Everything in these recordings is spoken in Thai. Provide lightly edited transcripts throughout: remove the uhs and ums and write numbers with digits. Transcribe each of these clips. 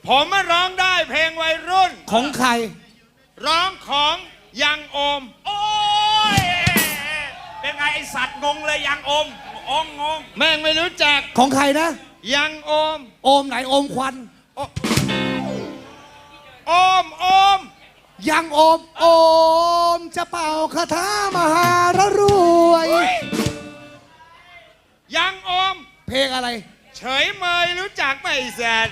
ผมมาร้องได้เพลงวัยรุ่นของใครร้องของยังโอมโอ้ยเป็นไงไอสัตว์งงเลยยังโอมงงแม่งไม่รู้จักของใครนะยังโอมโอมไหนโอมควันโอมยังโอมจะเป่าคาถามหารรวยยังโอมเพลงอะไรเฉยเมยรู้จักไหมแซด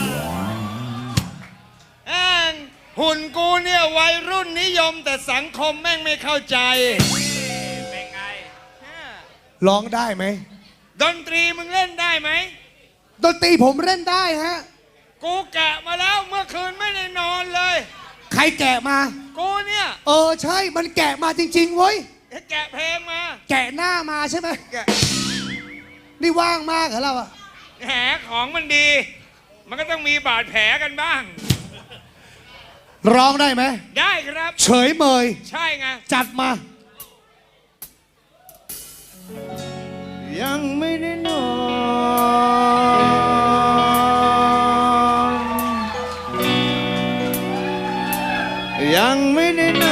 หุ่นกูเนี่ยวัยรุ่นนิยมแต่สังคมแม่งไม่เข้าใจเป็นไงร้องได้ไหมดนตรีมึงเล่นได้ไหมดนตรีผมเล่นได้ฮะกูแกะมาแล้วเมื่อคืนไม่ได้นอนเลยใครแกะมากูเนี่ยใช่มันแกะมาจริงๆเว้ยแกะเพลงมาแกะหน้ามาใช่ไหมนี่ว่างมากเหรอเราอะแหมของมันดีมันก็ต้องมีบาดแผลกันบ้างร้องได้ไหมได้ครับเฉยเมยใช่ไงจัดมายังไม่ได้นอนยังไม่ได้น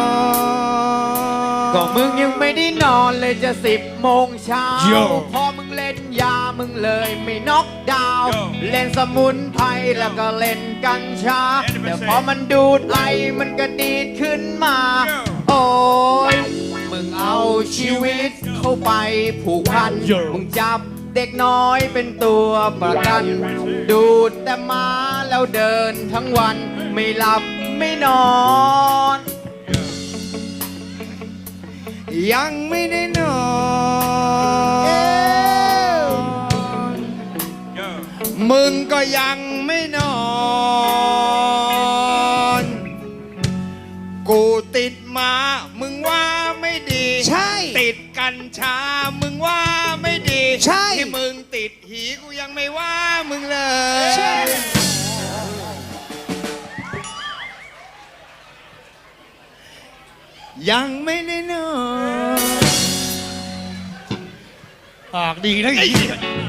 อนก็มึงยังไม่ได้นอนเลยจะ10 โมงเช้าพอมึงเล่นยามึงเลยไม่น็อกดาวน์เล่นสมุนไพรแล้วก็เล่นกัญชาแต่พอมันดูดไอมันก็ดีดขึ้นมาโอ้ยมึงเอาชีวิตเข้าไปผูกพันมึงจับเด็กน้อยเป็นตัวประกันดูดแต่มาแล้วเดินทั้งวันไม่หลับไม่นอนยังไม่ได้นอนมึงก็ยังไม่นอนกูติดมามึงว่าไม่ดีใช่ติดกัญชามึงว่าไม่ดีใช่ที่มึงติดหีกูยังไม่ว่ามึงเลยใช่ยังไม่ได้นอนปากดีนะอี